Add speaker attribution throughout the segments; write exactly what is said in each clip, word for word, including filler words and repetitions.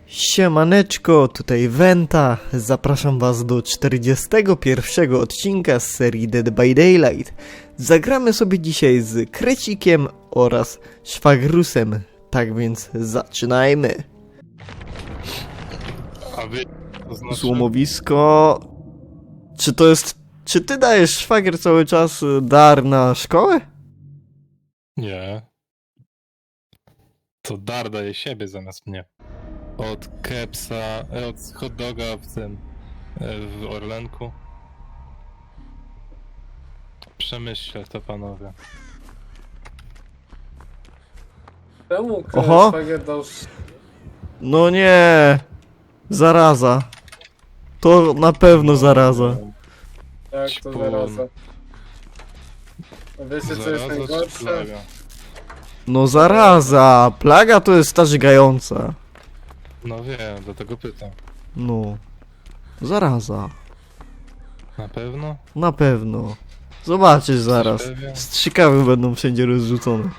Speaker 1: Siemaneczko, tutaj Wenta. Zapraszam was do czterdziestego pierwszego odcinka z serii Dead by Daylight. Zagramy sobie dzisiaj z Krecikiem oraz Szwagrusem. Tak więc zaczynajmy.
Speaker 2: A wy... to znaczy...
Speaker 1: Złomowisko... Czy to jest... Czy ty dajesz, szwagier, cały czas dar na szkołę?
Speaker 2: Nie. To dar daje siebie zamiast mnie. Od kepsa, e, od hot doga w tym, e, w Orlenku. Przemyślę to, panowie.
Speaker 3: Czemu
Speaker 1: Oho.
Speaker 3: szwagier dał...
Speaker 1: No nie... Zaraza. To na pewno zaraza.
Speaker 3: Jak to
Speaker 2: Ćpun.
Speaker 3: zaraza? A wiecie co jest
Speaker 2: Zaraza czy
Speaker 3: najgorsze?
Speaker 2: plaga?
Speaker 1: No zaraza. Plaga to jest ta żygająca.
Speaker 2: No wiem, dlatego pytam.
Speaker 1: No. Zaraza.
Speaker 2: Na pewno?
Speaker 1: Na pewno. Zobaczysz zaraz.
Speaker 2: Jesteś pewien?
Speaker 1: Strzykawy będą wszędzie rozrzucone.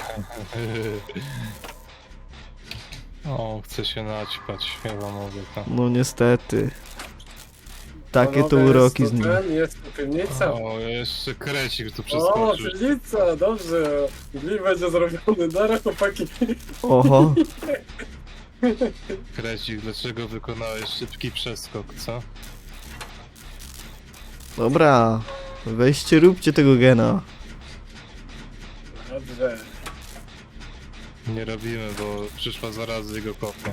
Speaker 2: O, chcę się naćpać, ja wam mówię to.
Speaker 1: No niestety. Takie to
Speaker 3: Panowie,
Speaker 1: uroki z
Speaker 3: jest
Speaker 1: nim.
Speaker 3: to ten, jest tu piwnica.
Speaker 2: O, jeszcze krecik tu
Speaker 3: O,
Speaker 2: przeskoczył.
Speaker 3: piwnica, dobrze. Gli będzie zrobiony, dara chłopaki.
Speaker 1: Oho.
Speaker 2: Krecik, dlaczego wykonałeś szybki przeskok, co?
Speaker 1: Dobra. Weźcie, róbcie tego gena.
Speaker 3: Dobrze.
Speaker 2: Nie robimy, bo przyszła zaraz jego kopnie.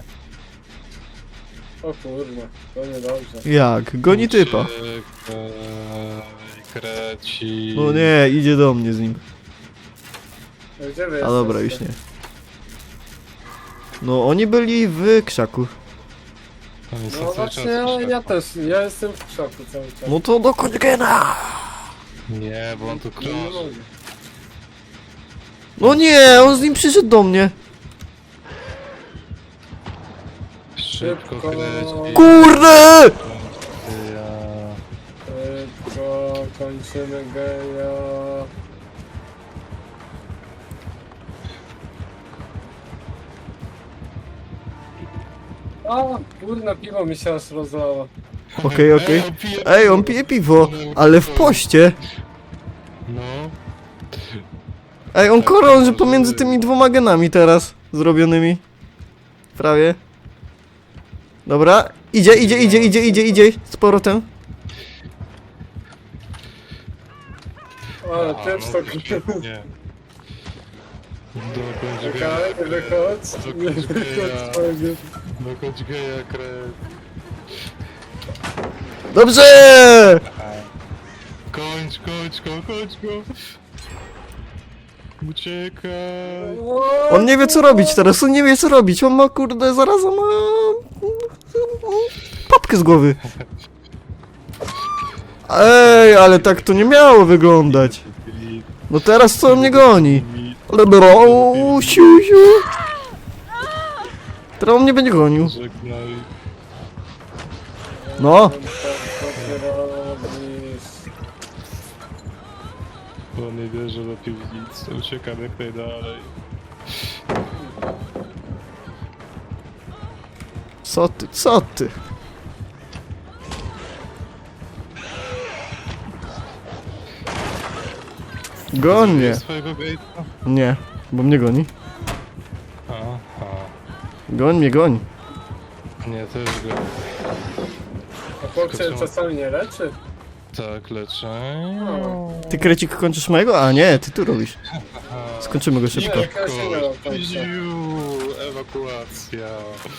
Speaker 3: O kurwa, to niedobrze.
Speaker 1: Jak? Goni typa.
Speaker 2: Czekaj, Kreci...
Speaker 1: No nie, idzie do mnie z nim.
Speaker 3: Gdzie wy
Speaker 1: A dobra, już
Speaker 3: jesteście?
Speaker 1: nie. No oni byli w krzaku.
Speaker 2: Oni są
Speaker 3: No
Speaker 2: cały
Speaker 3: właśnie,
Speaker 2: czas
Speaker 3: ja,
Speaker 2: w
Speaker 3: ja
Speaker 2: krzaku.
Speaker 3: też, ja jestem w szoku cały czas.
Speaker 1: No to dokończ gena!
Speaker 2: Nie, bo on tu
Speaker 3: Nie
Speaker 2: krąży.
Speaker 3: mogę.
Speaker 1: No nie, on z nim przyszedł do mnie.
Speaker 2: Szybko
Speaker 3: Szybko.
Speaker 2: kreci.
Speaker 1: Kurde!
Speaker 2: Ja...
Speaker 3: Szybko, kończymy geja. A, kurna, piwo mi się aż rozlało.
Speaker 1: Okej, okej.
Speaker 2: Ej, on pije
Speaker 1: Ej, on pije piwo, ale w poście.
Speaker 2: No.
Speaker 1: Ej, on krąży pomiędzy tymi dwoma genami teraz zrobionymi. Prawie. Dobra, idzie, idzie, idzie, idzie, idzie, idzie. Z powrotem.
Speaker 3: Ale
Speaker 2: A,
Speaker 3: pieprz
Speaker 2: no
Speaker 3: to
Speaker 2: widzicie,
Speaker 3: kurwa.
Speaker 2: nie. Dokończ
Speaker 3: Czekaj, nie
Speaker 2: geja.
Speaker 3: wychodź. Nie
Speaker 2: Dokończ geja.
Speaker 3: wychodź, szwagier.
Speaker 2: Dokończ geja, kret.
Speaker 1: Dobrze!
Speaker 2: Kończ, kończ go, kończ go. Uciekaj.
Speaker 1: On nie wie co robić teraz, on nie wie co robić. On ma kurde, zaraz ma... papkę z głowy. Ej, ale tak to nie miało wyglądać. No teraz co on mnie goni? Ale bro, siu, siu. Teraz on mnie będzie gonił.
Speaker 2: Żegnaj.
Speaker 1: No.
Speaker 3: Co ty robisz?
Speaker 2: Bo nie wierzę do piwnicy. Uciekam jak najdalej.
Speaker 1: Co ty, co ty? Goń mnie.
Speaker 2: Swojego gate'a?
Speaker 1: Nie, bo mnie goni.
Speaker 2: Aha.
Speaker 1: Goń mnie, goń.
Speaker 2: Nie, też go.
Speaker 3: A chłop się czasami nie leczy?
Speaker 2: Tak, leczę.
Speaker 3: No.
Speaker 1: Ty krecik kończysz mojego? A nie, ty tu robisz. Skończymy go szybko.
Speaker 3: Nie, ja się nie
Speaker 2: Szybko.
Speaker 3: kończę.
Speaker 2: Ziu, ewakuacja.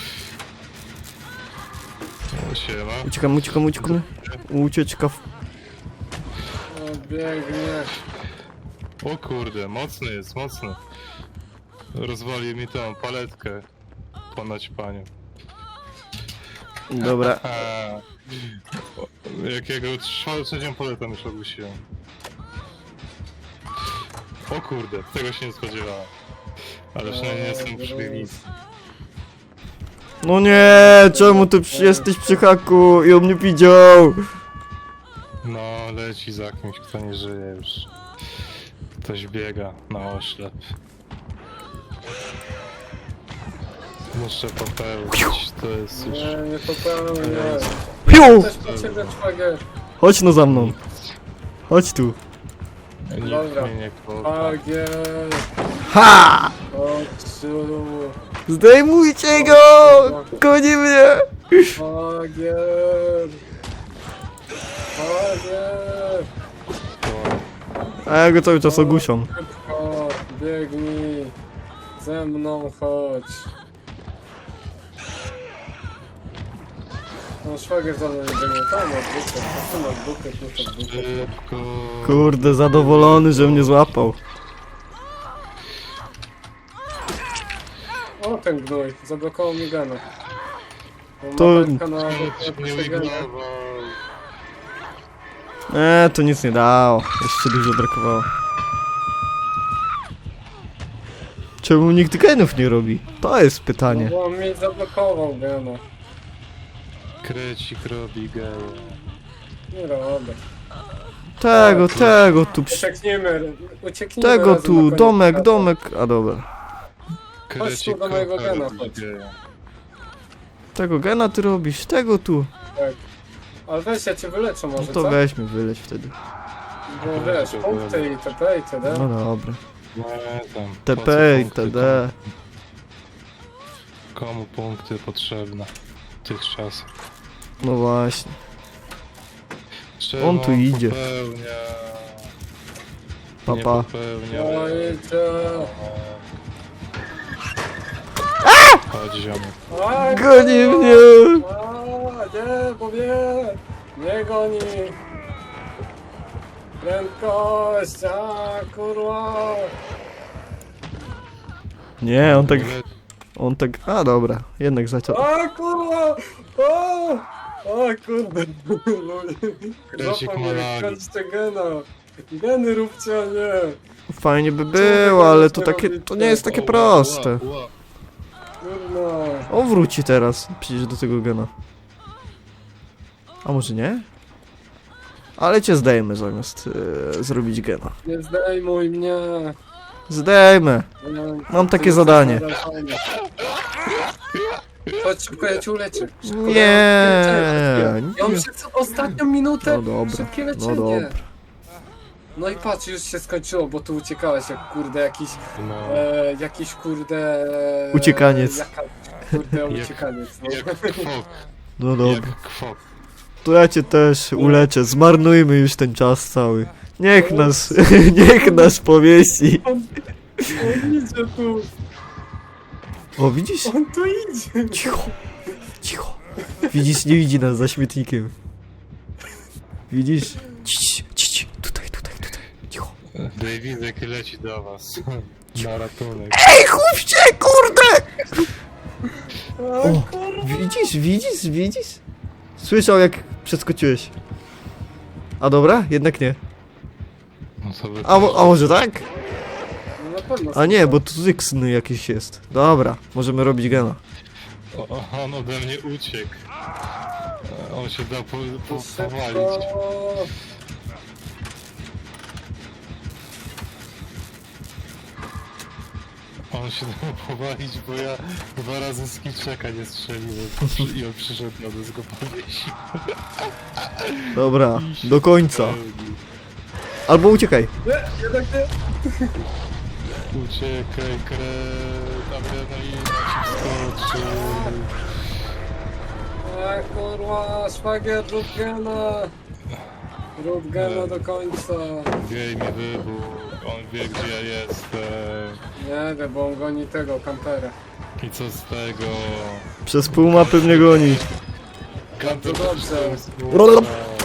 Speaker 2: O, siema.
Speaker 1: Uciekam, uciekam, uciekam. Ucieczka w...
Speaker 3: O, biegnie.
Speaker 2: O kurde, mocny jest, mocny. Rozwalił mi tą paletkę po naćpaniu.
Speaker 1: Dobra.
Speaker 2: A, jakiego trz- trzecią paletę już ogłosiłem. O kurde, tego się nie spodziewałem. Ale przynajmniej nie jestem przy piwnicy.
Speaker 1: No nie, czemu ty przy, jesteś przy haku i on mnie widział?
Speaker 2: No, leci za kimś, kto nie żyje już. Ktoś biega na oślep. Muszę popełnić, to jest już...
Speaker 3: Nie, nie popełnię.
Speaker 1: Piu!
Speaker 3: Też po ciebie szwagier.
Speaker 1: Chodź no za mną. Chodź tu.
Speaker 2: Nikt
Speaker 3: Dobra.
Speaker 2: mnie nie kocha.
Speaker 3: Szwagier.
Speaker 1: Ha!
Speaker 3: Chodź tu.
Speaker 1: Zdejmujcie go! Goni mnie!
Speaker 3: Szwagier. Szwagier.
Speaker 2: To-
Speaker 1: A ja go cały czas ogłuszam.
Speaker 3: Szybko, biegnij. Ze mną chodź. No szwagier za mną nie biegnie. Tam masz dupę, tam masz dupę, tu masz dupę.
Speaker 2: Szybko.
Speaker 1: Kurde, zadowolony, że mnie złapał.
Speaker 3: O, ten gnój, zablokował mi gena.
Speaker 1: To-
Speaker 3: Mapeczka na
Speaker 2: Nie
Speaker 3: na gena.
Speaker 2: ujmował.
Speaker 1: Eee, to nic nie dało. Jeszcze dużo brakowało. Czemu nikt genów nie robi? To jest
Speaker 3: No
Speaker 1: pytanie.
Speaker 3: bo on mi zablokował gena.
Speaker 2: Krecik robi geje.
Speaker 3: Nie robię.
Speaker 1: Tego, tego tu, przy-
Speaker 3: Uciekniemy, uciekniemy
Speaker 1: tego
Speaker 3: razem na
Speaker 1: tu,
Speaker 3: koniec
Speaker 1: domek,
Speaker 3: świata.
Speaker 1: domek. A dobra.
Speaker 2: Krecik
Speaker 3: do mojego
Speaker 2: kocha
Speaker 3: gena,
Speaker 2: robi
Speaker 3: chodź.
Speaker 2: geje.
Speaker 1: Tego gena ty robisz, tego tu.
Speaker 3: Tak. Ale weź, ja cię wyleczę
Speaker 1: No
Speaker 3: może,
Speaker 1: to
Speaker 3: co?
Speaker 1: weźmy, wyleć wtedy.
Speaker 3: Bo wiesz, punkty i tp i td.
Speaker 1: No dobra.
Speaker 2: Nie tam.
Speaker 1: T
Speaker 2: po
Speaker 1: P
Speaker 2: co
Speaker 1: i
Speaker 2: punkty?
Speaker 1: T D.
Speaker 2: Komu punkty potrzebne w tych czasach?
Speaker 1: No właśnie.
Speaker 2: Czemu
Speaker 1: On tu idzie.
Speaker 2: Popełnia...
Speaker 1: Pa,
Speaker 2: Nie
Speaker 1: pa.
Speaker 2: popełnia...
Speaker 3: No idzie.
Speaker 2: Chodź ziomek.
Speaker 3: A,
Speaker 1: Goni mnie!
Speaker 3: A, nie, bo mnie. Nie goni. Prędkość, a kurwa.
Speaker 1: Nie, on tak, on tak, a dobra, jednak zaciął.
Speaker 3: A kurwa! O! O kurde!
Speaker 2: Krecik
Speaker 3: Złapał
Speaker 2: ma
Speaker 3: mnie,
Speaker 2: lagi.
Speaker 3: kończcie gena! Geny róbcie, a nie!
Speaker 1: Fajnie by było, ale to takie, to nie jest takie proste.
Speaker 3: Kurwa!
Speaker 1: On wróci teraz, przecież do tego gena. A może nie? Ale cię zdejmę zamiast e, zrobić gena.
Speaker 3: Nie zdejmuj mnie!
Speaker 1: Zdejmę.
Speaker 3: Nie,
Speaker 1: Mam
Speaker 3: ty
Speaker 1: takie
Speaker 3: jesteś
Speaker 1: zadanie.
Speaker 3: narażony. Chodź szybko, ja cię uleczę. Szybko,
Speaker 1: Nie,
Speaker 3: ja mam
Speaker 1: nie.
Speaker 3: przez ostatnią minutę.
Speaker 1: No dobra,
Speaker 3: Szybkie
Speaker 1: no
Speaker 3: leczenie.
Speaker 1: dobra.
Speaker 3: No i patrz, już się skończyło, bo tu uciekałeś jak kurde jakiś,
Speaker 2: No,
Speaker 3: e, jakiś kurde... e,
Speaker 1: Uciekaniec.
Speaker 3: Jaka, kurde
Speaker 2: Jak-
Speaker 3: uciekaniec, no.
Speaker 2: jak kwok,
Speaker 1: No dobra.
Speaker 2: jak kwok.
Speaker 1: To ja cię też uleczę, zmarnujmy już ten czas cały. Niech nas, niech nas powiesi.
Speaker 3: On, on idzie tu,
Speaker 1: O, widzisz?
Speaker 3: on tu idzie.
Speaker 1: Cicho, cicho. Widzisz, nie widzi nas za śmietnikiem. Widzisz? Ciii, ciii, tutaj, tutaj, tutaj. Cicho.
Speaker 2: Davidek leci do was. Na ratunek.
Speaker 1: Ej, chłopcie, kurde!
Speaker 3: A,
Speaker 1: O,
Speaker 3: kurwa.
Speaker 1: widzisz, widzisz, widzisz? Słyszał jak przeskoczyłeś. A dobra? Jednak nie.
Speaker 2: No to wy
Speaker 1: A, mo- a może tak?
Speaker 3: No na pewno.
Speaker 1: A nie, bo tu zyksny jakiś jest. Dobra, możemy robić gena.
Speaker 2: O, o, on ode mnie uciekł. E, On się da po, po,
Speaker 3: Szybko.
Speaker 2: powalić. On się dał powalić, bo ja dwa razy z kiczeka nie strzeliłem. I on przyszedł na nas go powiesił.
Speaker 1: Dobra, do końca. Albo uciekaj.
Speaker 3: Nie, jednak nie.
Speaker 2: Uciekaj, kret, adrenalina ci wskoczy.
Speaker 3: A kurwa, szwagier, rób gena. Rób gena do końca.
Speaker 2: Gej mi wybuch, on wie gdzie ja jestem.
Speaker 3: Nie wiem, bo on goni tego, kampera.
Speaker 2: I co z tego?
Speaker 1: Przez pół mapy mnie goni.
Speaker 2: Kantor
Speaker 3: To dobrze.
Speaker 1: Rolop.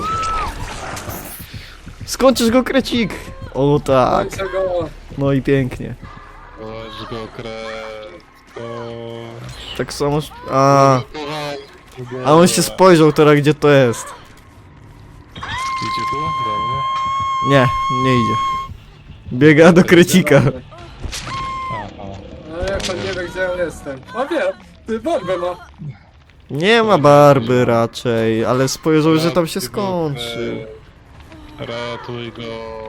Speaker 1: Skończysz go, krecik! O tak,
Speaker 3: Kończę go.
Speaker 1: no i pięknie.
Speaker 2: Chodź go, kret. Chodź.
Speaker 1: Tak samo... A,
Speaker 2: Kochaj.
Speaker 1: a on się spojrzał teraz, gdzie to jest.
Speaker 2: Idzie tu? Do mnie?
Speaker 1: Nie, nie idzie. Biega do krecika.
Speaker 2: Aha.
Speaker 3: A jak on nie wie, gdzie ja jestem. A wie, ty bombę ma.
Speaker 1: Nie ma barby raczej, ale spojrzał, że tam się skończy.
Speaker 2: Ratuj go.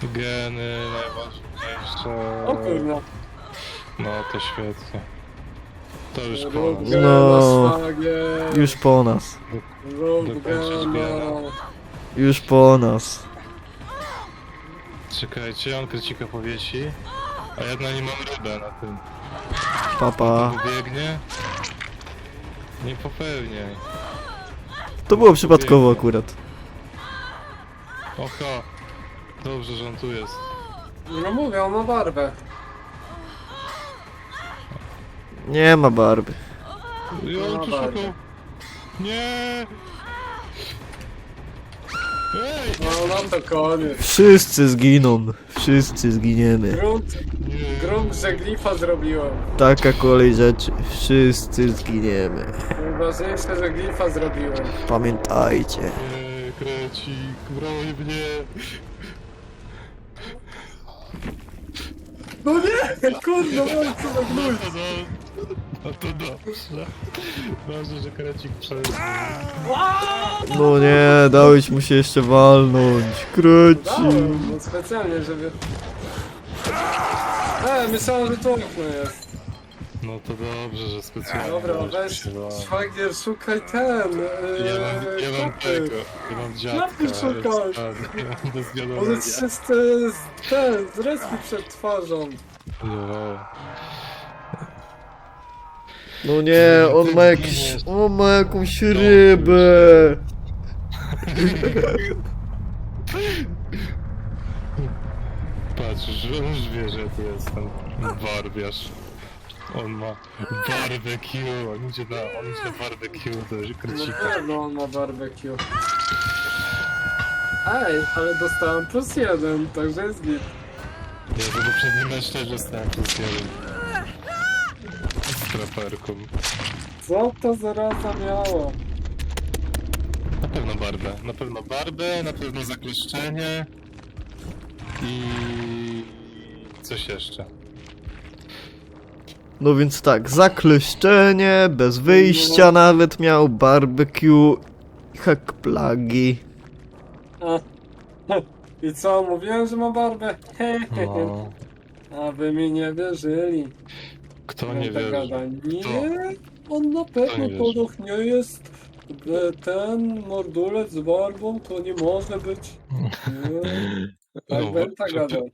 Speaker 2: Geny najważniejsze.
Speaker 3: O kurwa.
Speaker 2: No to świetnie. To już
Speaker 3: Rób
Speaker 2: koniec.
Speaker 3: gena,
Speaker 1: No.
Speaker 3: szwagier.
Speaker 1: Już po nas.
Speaker 3: Rób
Speaker 2: Dokończysz
Speaker 3: gena.
Speaker 2: gena.
Speaker 1: Już po nas.
Speaker 2: Czekajcie, on krycika powiesi. A ja na nim mam rybę na tym.
Speaker 1: Papa.
Speaker 2: Biegnie. Nie popełniaj.
Speaker 1: To było przypadkowo akurat.
Speaker 2: Oho. Dobrze, że on tu jest.
Speaker 3: No mówię, on ma barbę.
Speaker 1: Nie ma barwy.
Speaker 2: I on tu
Speaker 3: bardzo.
Speaker 2: szukał. Nie! Ej!
Speaker 3: No, no to koniec.
Speaker 1: Wszyscy zginą. Wszyscy zginiemy.
Speaker 3: Grunt,
Speaker 2: Nie!
Speaker 3: grunt, że glifa zrobiłem.
Speaker 1: Taka kolej rzeczy. Wszyscy zginiemy.
Speaker 3: Najważniejsze, że glifa zrobiłem.
Speaker 1: Pamiętajcie.
Speaker 2: Nie, krecik, broń mnie!
Speaker 3: No nie! Kurde, no co za gnój.
Speaker 2: No, no, no to dobrze. Dobrze, że krecik przeżył.
Speaker 1: No nie, dałeś mu się jeszcze walnąć. Kreci.
Speaker 3: Dałem, no specjalnie, żeby... E, myślałem, że to okno jest.
Speaker 2: No to dobrze, że specjalnie.
Speaker 3: Dobra,
Speaker 2: dałeś
Speaker 3: weź,
Speaker 2: się walnąć.
Speaker 3: szwagier, szukaj ten, yy,
Speaker 2: Ja mam, ja mam
Speaker 3: kapy.
Speaker 2: tego, ja mam dziadka.
Speaker 3: Klapy szukasz.
Speaker 2: jest- Bez
Speaker 3: One
Speaker 2: wiadomości.
Speaker 3: trzy z, z, ten, z reski przed twarzą.
Speaker 1: No nie, on ma jakiś... On ma jakąś rybę.
Speaker 2: Patrz, że on już wie, że tu jestem barbiarz. On ma barbecue, on idzie na, on idzie na barbecue do
Speaker 3: No
Speaker 2: krycika.
Speaker 3: pewno on ma barbecue. Ej, ale dostałem plus jeden, także jest git.
Speaker 2: Ja za poprzednim mecz też dostałem plus jeden. Z traperką.
Speaker 3: Co to za rasa miało?
Speaker 2: Na pewno barbę, na pewno barbę, na pewno zakleszczenie i coś jeszcze.
Speaker 1: No więc tak, zakleszczenie, bez wyjścia nawet miał, barbecue, hack plagi.
Speaker 3: A, i co, mówiłem, że ma barbę? Hehehe.
Speaker 2: No,
Speaker 3: A wy mi nie wierzyli.
Speaker 2: kto nie
Speaker 3: Gada,
Speaker 2: wierzy?
Speaker 3: gada. Nie, on na pewno
Speaker 2: nie wierzy?
Speaker 3: to doch nie jest e, ten mordulec z barbą, to nie może być. Nie. Tak
Speaker 2: No,
Speaker 3: Benta
Speaker 2: czy-
Speaker 3: gadał.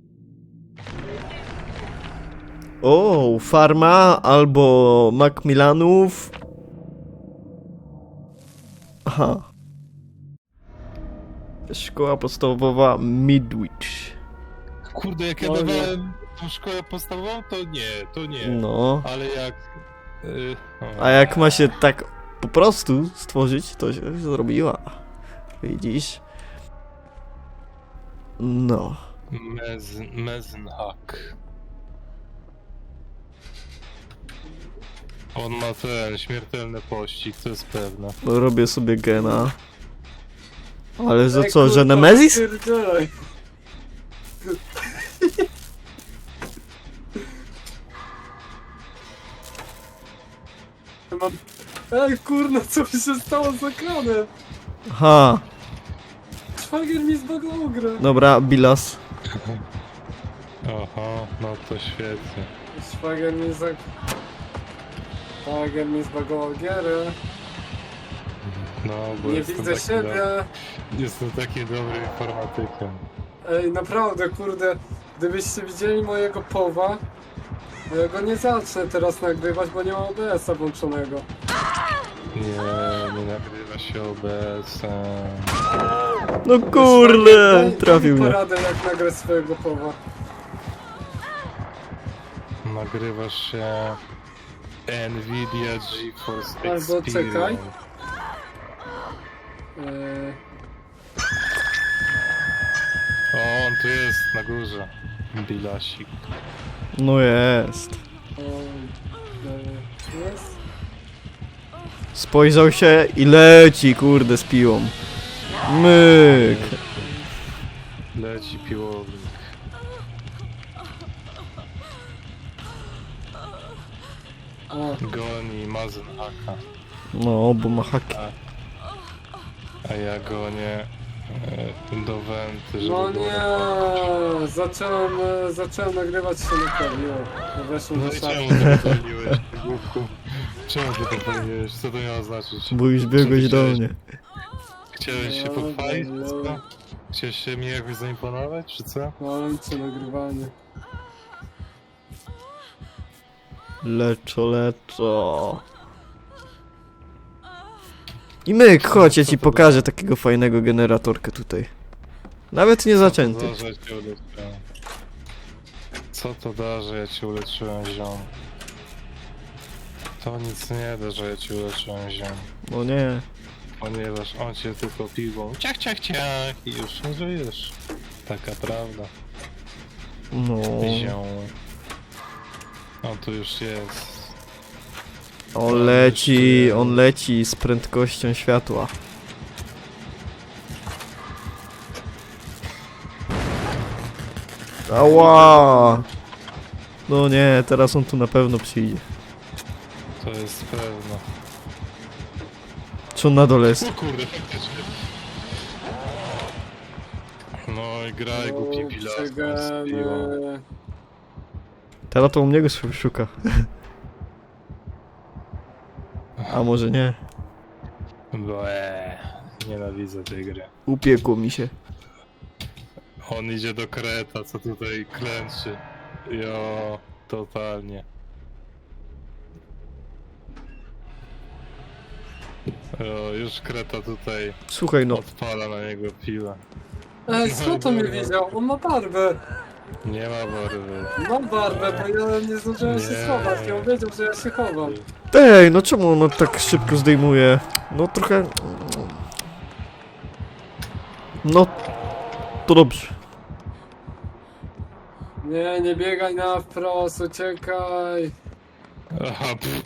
Speaker 1: O, farma albo Macmillanów. Aha. Szkoła podstawowa Midwich.
Speaker 2: Kurde, jak ja
Speaker 3: No nie.
Speaker 2: dawałem tą szkołę podstawową, to nie, to nie.
Speaker 1: No.
Speaker 2: Ale jak... y, o.
Speaker 1: A jak ma się tak po prostu stworzyć, to się zrobiła. Widzisz? No.
Speaker 2: Mez, Mezenhack. On ma ten śmiertelny pościg, to jest pewne.
Speaker 1: Robię sobie gena. Ale za
Speaker 3: Ej,
Speaker 1: co, że
Speaker 3: kurwa,
Speaker 1: Nemezis?
Speaker 3: pierdzielaj. Mam... Ej kurna, co mi się stało z ekranem?
Speaker 1: Aha.
Speaker 3: Szwagier mi zbagował grę.
Speaker 1: Dobra, Bilas.
Speaker 2: Aha, no to świetnie.
Speaker 3: Szwagier mi zag... Szwagier mi zbagował gierę.
Speaker 2: No, bo
Speaker 3: Nie
Speaker 2: jestem
Speaker 3: widzę
Speaker 2: taki
Speaker 3: siebie.
Speaker 2: Do... Jestem taki dobry informatykiem.
Speaker 3: Ej, naprawdę, kurde, gdybyście widzieli mojego powa, bo ja go nie zacznę teraz nagrywać, bo nie mam O B S-a włączonego.
Speaker 2: Nie, nie nagrywa się O B S-em.
Speaker 1: No kurde,
Speaker 3: Daj-
Speaker 1: trafił
Speaker 3: daj mi
Speaker 1: mnie.
Speaker 3: poradę, jak nagrać swojego powa.
Speaker 2: Nagrywasz się Nvidia GeForce
Speaker 3: Albo
Speaker 2: Experience.
Speaker 3: czekaj. Eee,
Speaker 2: O, on tu jest, na górze. Bilasik.
Speaker 1: No jest.
Speaker 3: o, eee, jest?
Speaker 1: Spojrzał się i leci, kurde, z piłą. Myk.
Speaker 2: Leci piłownik.
Speaker 3: O,
Speaker 2: Goni Mazenhaka.
Speaker 1: No, bo ma haki.
Speaker 2: A ja gonię e, do Wenty, żeby
Speaker 3: no
Speaker 2: było
Speaker 3: nie, zacząłem, e, zacząłem nagrywać się naprawiło. Weszłem
Speaker 2: No
Speaker 3: do
Speaker 2: i
Speaker 3: szafy.
Speaker 2: czemu zapaliłeś? głupku. Czemu ty to powiedziałeś? Co to miało znaczyć?
Speaker 1: Bo już biegłeś do mnie.
Speaker 2: Chciałeś się pochwalić, czy co? Chciałeś się mi jakoś zaimponować, czy co?
Speaker 3: Kończę nagrywanie.
Speaker 1: Leczo, leczo. I myk, chodź, ja ci pokażę takiego fajnego generatorka tutaj. Nawet nie zaczęty.
Speaker 2: Co to da, że cię uleczyłem? Co to da, że ja cię uleczyłem, ziom? To nic nie da, że ja cię uleczyłem, ziom.
Speaker 1: No nie.
Speaker 2: Ponieważ on cię tylko piwą ciach, ciach, ciach i już nie żyjesz. Taka prawda,
Speaker 1: No.
Speaker 2: ziom. On tu już jest.
Speaker 1: On leci, on leci z prędkością światła. Ała! No nie, teraz on tu na pewno przyjdzie.
Speaker 2: To jest pewne.
Speaker 1: Czy on na dole jest?
Speaker 2: O kurde, faktycznie. No i graj, głupi pilasku z piłą.
Speaker 3: Przegrane.
Speaker 1: Teraz to u mnie go szuka. A może nie?
Speaker 2: Bo eee, nienawidzę tej gry.
Speaker 1: Upiekło mi się.
Speaker 2: On idzie do kreta, co tutaj klęczy. Jo, totalnie. Jo, już kreta tutaj
Speaker 1: Słuchaj no,
Speaker 2: odpala na niego piłę.
Speaker 3: Ej, skąd to mnie widział? On ma barbę.
Speaker 2: Nie ma barwy.
Speaker 3: Ma barbę, bo ja nie zdążyłem się
Speaker 2: Nie.
Speaker 3: schować i on wiedział, że ja się chowam.
Speaker 1: ej, no czemu ono tak szybko zdejmuje? No trochę... No... To dobrze.
Speaker 3: Nie, nie biegaj na wprost, uciekaj.
Speaker 2: Aha, pff.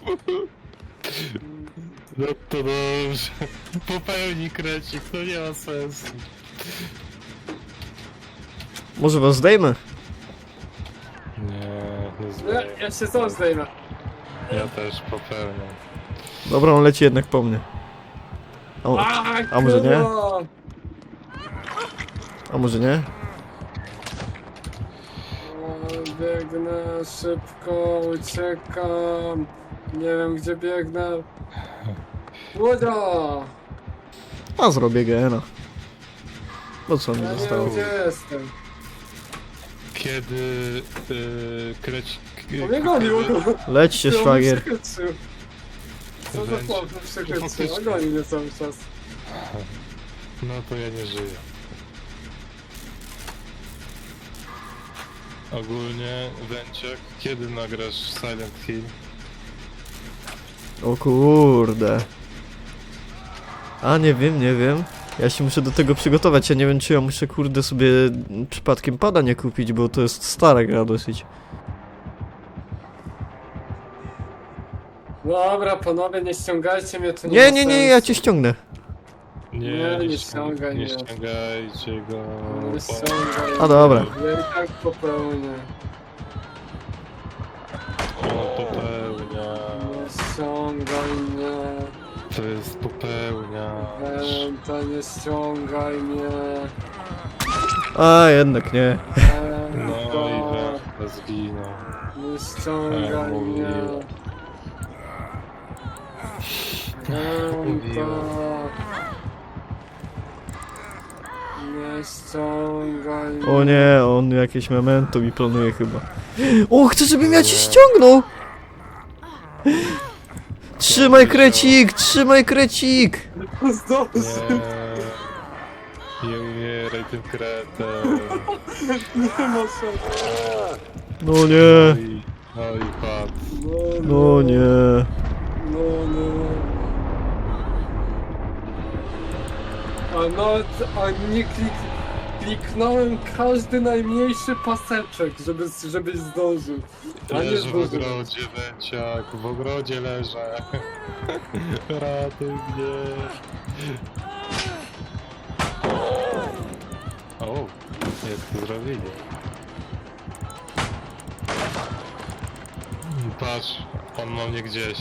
Speaker 2: No to dobrze. Popełni krecik, to nie ma sensu.
Speaker 1: Może was zdejmę?
Speaker 2: Nie, nie
Speaker 3: Nie,
Speaker 2: zdejmę.
Speaker 3: ja się sam zdejmę.
Speaker 2: Ja też popełniam.
Speaker 1: Dobra, on leci jednak po mnie. O,
Speaker 3: A,
Speaker 1: a może nie?
Speaker 3: kurwa.
Speaker 1: a może nie?
Speaker 3: O, biegnę szybko, uciekam. Nie wiem gdzie biegnę. Łodzia!
Speaker 1: A zrobię gena. No co mi
Speaker 3: Ja nie
Speaker 1: zostało?
Speaker 3: wiem gdzie jestem.
Speaker 2: Kiedy yy, krecik...
Speaker 3: On mnie gonił, on mnie
Speaker 1: Leć się, szwagier.
Speaker 3: przechytrzył. Co za
Speaker 2: Wręcz-
Speaker 3: chłop mnie przechytrzył, on goni mnie cały czas.
Speaker 2: No to ja nie żyję. Ogólnie, Węciak, kiedy nagrasz Silent Hill?
Speaker 1: O kurde. A nie wiem, nie wiem. Ja się muszę do tego przygotować. Ja nie wiem, czy ja muszę kurde sobie przypadkiem pada nie kupić, bo to jest stara gra dosyć.
Speaker 3: Dobra, panowie, nie ściągajcie mnie, to nie
Speaker 1: Nie,
Speaker 3: ma
Speaker 1: nie, nie,
Speaker 3: sensu.
Speaker 1: ja cię ściągnę.
Speaker 2: Nie,
Speaker 3: Nie,
Speaker 2: nie,
Speaker 3: nie
Speaker 2: ściągaj,
Speaker 3: ściągaj
Speaker 2: nie
Speaker 3: mnie.
Speaker 2: ściągajcie go.
Speaker 3: Nie
Speaker 2: bo-
Speaker 3: ściągaj.
Speaker 1: A dobra.
Speaker 3: Ja i tak popełnię.
Speaker 2: On popełnia.
Speaker 3: Nie ściągaj mnie.
Speaker 2: To jest popełniacz.
Speaker 3: Wenta, nie ściągaj mnie.
Speaker 1: A jednak nie.
Speaker 2: No
Speaker 3: Wenta,
Speaker 2: i Węcha zginął.
Speaker 3: nie ściągaj
Speaker 2: Ja
Speaker 3: mnie.
Speaker 2: mówiłem.
Speaker 3: Wenta.
Speaker 2: Mówiłem.
Speaker 3: Nie ściągaj mnie.
Speaker 1: O nie, on jakieś memento mi planuje chyba. O, chcę, żebym ja cię ściągnął! Trzymaj krecik, trzymaj krecik!
Speaker 3: Zdąży.
Speaker 2: Nie. Nie umieraj tym kretem.
Speaker 3: Nie ma szans.
Speaker 1: No
Speaker 2: No
Speaker 1: nie,
Speaker 2: i, no i padł.
Speaker 1: no nie.
Speaker 3: No, no. A nawet, a nie klik, kliknąłem każdy najmniejszy paseczek, żeby, żebyś zdążył. A nie
Speaker 2: Leżę w
Speaker 3: zdążyłem.
Speaker 2: ogrodzie, Węciak, w ogrodzie leżę. Ratuj mnie. O, jak to zrobili. Patrz, on ma mnie gdzieś.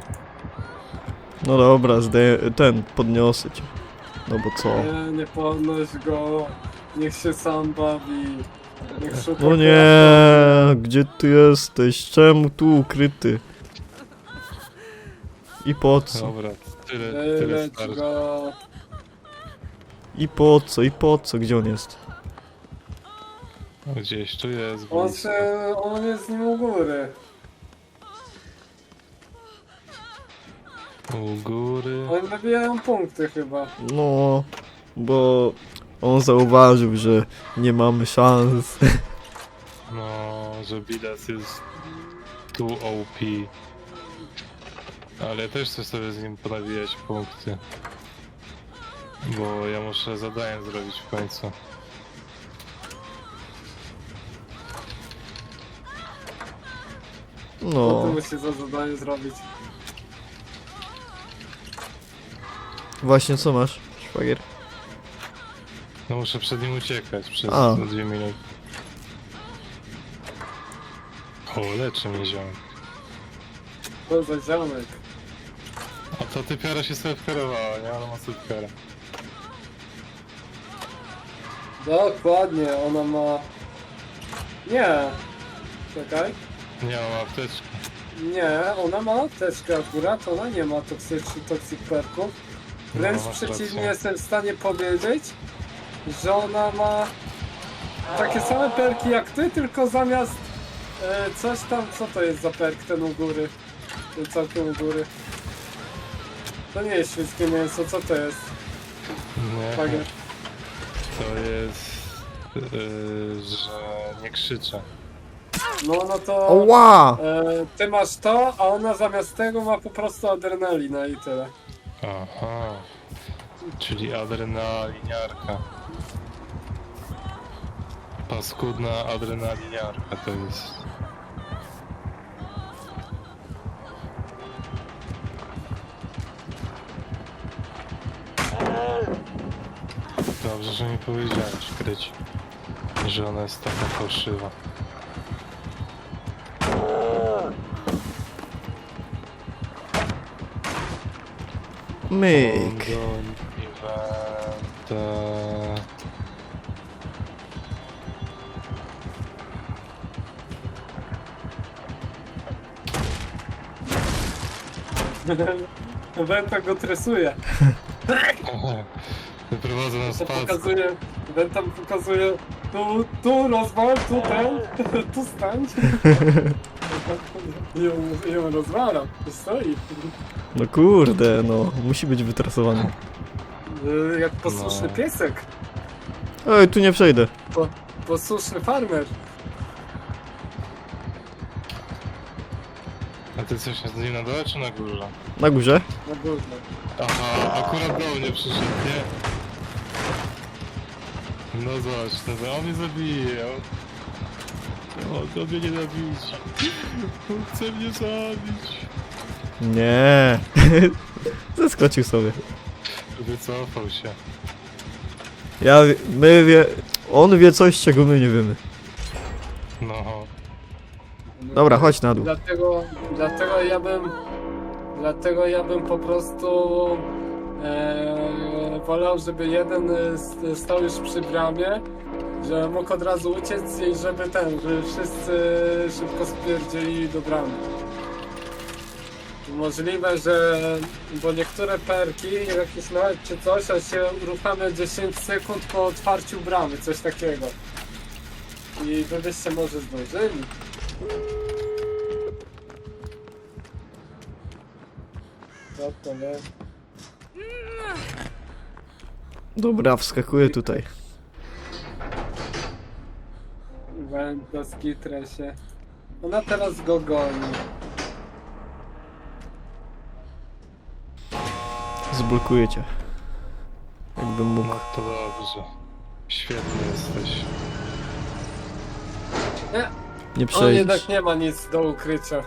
Speaker 1: No dobra, zde- ten, podniosę cię. No bo co?
Speaker 3: Nie, nie podnoś go. Niech się sam bawi. Niech szuka
Speaker 1: No nie, gdzie ty jesteś? Czemu tu ukryty? I po co?
Speaker 2: Dobra, tyle, tyle
Speaker 3: Leć
Speaker 2: starczy.
Speaker 3: go.
Speaker 1: I po co? I po co? Gdzie on jest?
Speaker 2: No, gdzieś tu jest,
Speaker 3: On,
Speaker 2: blisko.
Speaker 3: se, on jest z nim u góry.
Speaker 2: U góry.
Speaker 3: Oni nabijają punkty chyba.
Speaker 1: No, bo on zauważył, że nie mamy szans.
Speaker 2: No, że Bidas jest tu O P. Ale ja też chcę sobie z nim ponawijać punkty. Bo ja muszę zadanie zrobić w końcu.
Speaker 3: Co
Speaker 1: No,
Speaker 3: ty musisz za zadanie zrobić?
Speaker 1: właśnie co masz, szwagier?
Speaker 2: No muszę przed nim uciekać przez
Speaker 1: A.
Speaker 2: dwie minuty. O, leczy mnie ziomek.
Speaker 3: To za ziomek.
Speaker 2: A to typiara się sobie wkarowała, nie? Ona ma typiara.
Speaker 3: Dokładnie, ona ma... Nie. Czekaj.
Speaker 2: Nie, mam apteczkę.
Speaker 3: Nie, ona ma apteczkę akurat, ona nie ma toksycznych toxic perków. Wręcz
Speaker 2: No, masz
Speaker 3: przeciwnie,
Speaker 2: rację.
Speaker 3: jestem w stanie powiedzieć, że ona ma takie same perki jak ty, tylko zamiast e, coś tam, co to jest za perk ten u góry? Ten całkiem u góry. To nie jest świeckie mięso, co to jest?
Speaker 2: Nie,
Speaker 3: Szwagier.
Speaker 2: to jest... Yy, że nie krzyczę.
Speaker 3: No, no to
Speaker 1: Oła!
Speaker 3: e, ty masz to, a ona zamiast tego ma po prostu adrenalinę i tyle.
Speaker 2: Aha. Czyli adrenaliniarka. Paskudna adrenaliniarka to jest. Dobrze, że mi powiedziałeś, Kryć, że ona jest taka fałszywa.
Speaker 1: Myk.
Speaker 2: Ongoing event, e,
Speaker 3: Wenta go tresuje.
Speaker 2: Wyprowadzę na
Speaker 3: To
Speaker 2: spacer.
Speaker 3: pokazuje, Wenta pokazuje, tu, tu rozwal, tu ten, tu stań. I ją, i ją rozwala, tu stoi.
Speaker 1: No kurde, no, musi być wytrasowany.
Speaker 3: Y, Jak posłuszny
Speaker 2: No.
Speaker 3: piesek,
Speaker 1: Ej, tu nie przejdę.
Speaker 3: po, posłuszny farmer.
Speaker 2: A ty coś z nim na dole czy na górze?
Speaker 1: Na górze?
Speaker 3: Na górze.
Speaker 2: Aha, akurat do mnie przyszedł, nie? No zobacz, no, on mnie zabije. On, on mnie nienawidzi. On chce mnie zabić.
Speaker 1: Nie. Zeskoczył sobie.
Speaker 2: Wycofał się.
Speaker 1: Ja, wie- my wie, on wie coś, czego my nie wiemy.
Speaker 2: No.
Speaker 1: Dobra, chodź na dół.
Speaker 3: Dlatego, dlatego ja bym, dlatego ja bym po prostu e, wolał, żeby jeden e, s- stał już przy bramie, że mógł od razu uciec i żeby ten, żeby wszyscy szybko spierdzieli do bramy. Możliwe, że, bo niektóre perki, jakieś nawet czy coś, a się uruchamia dziesięć sekund po otwarciu bramy, coś takiego. I wy byście może zdążyli. Co to jest?
Speaker 1: Dobra, wskakuję tutaj.
Speaker 3: Wędka z kitresie. Ona teraz go goni.
Speaker 1: Zblokuję cię. Jakbym mógł.
Speaker 2: No to dobrze. Świetny jesteś.
Speaker 3: Nie,
Speaker 1: Nie
Speaker 3: on
Speaker 1: przejść.
Speaker 3: jednak nie ma nic do ukrycia.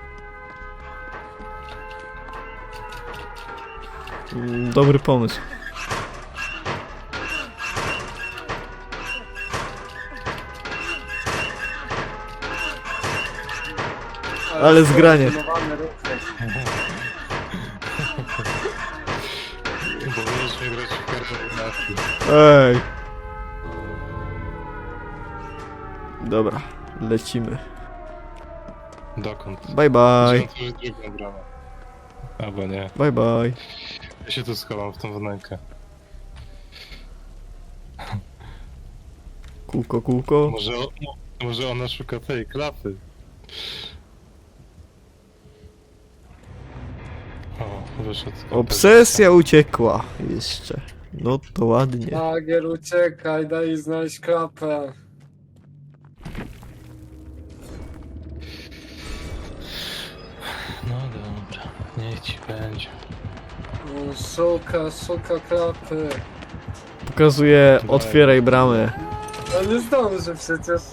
Speaker 1: Mm, Dobry pomysł. Ale zgranie.
Speaker 3: Koordynowane ruchy.
Speaker 2: Bo mieliśmy grać w koordynacji.
Speaker 1: Ej. Dobra, lecimy.
Speaker 2: Dokąd?
Speaker 1: Bye bye.
Speaker 2: Musimy otworzyć drugą bramę. Albo nie.
Speaker 1: Bye bye.
Speaker 2: Ja się tu schowam w tą wnękę.
Speaker 1: Kółko, kółko.
Speaker 2: Może, o, może ona szuka tej klapy. O, wyszedł. z
Speaker 1: Obsesja uciekła jeszcze. No to ładnie.
Speaker 3: Szwagier, uciekaj, daj znaleźć klapę.
Speaker 2: No dobra, niech ci będzie.
Speaker 3: No, Szuka, szuka klapy.
Speaker 1: Pokazuje, otwieraj bramę.
Speaker 3: Ale nie zdąży przecież.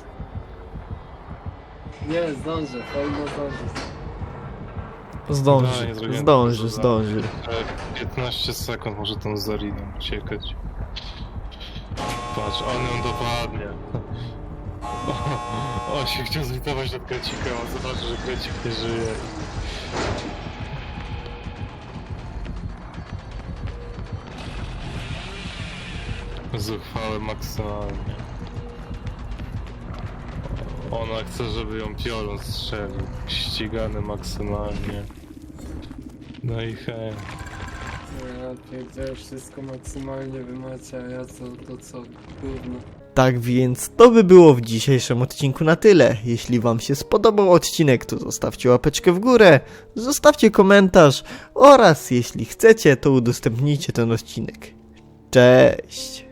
Speaker 3: Nie, zdąży, powinno zdążyć.
Speaker 2: No,
Speaker 1: Zdąży,
Speaker 2: nie zrobiłem
Speaker 1: zdąży,
Speaker 2: tego.
Speaker 1: zdąży.
Speaker 2: E, piętnaście sekund może tą Zariną uciekać. Patrz, on ją dopadnie. O, on się chciał zlitować nad Krecika, on zobaczy, że Krecik nie żyje. Zuchwałe maksymalnie. Ona chce, żeby ją piorun strzelił. Ścigany maksymalnie. No i hej.
Speaker 3: Ja pierdzielę, wszystko maksymalnie wymacie, a ja co, to co, gówno.
Speaker 1: Tak więc to by było w dzisiejszym odcinku na tyle. Jeśli wam się spodobał odcinek, to zostawcie łapeczkę w górę, zostawcie komentarz oraz jeśli chcecie, to udostępnijcie ten odcinek. Cześć!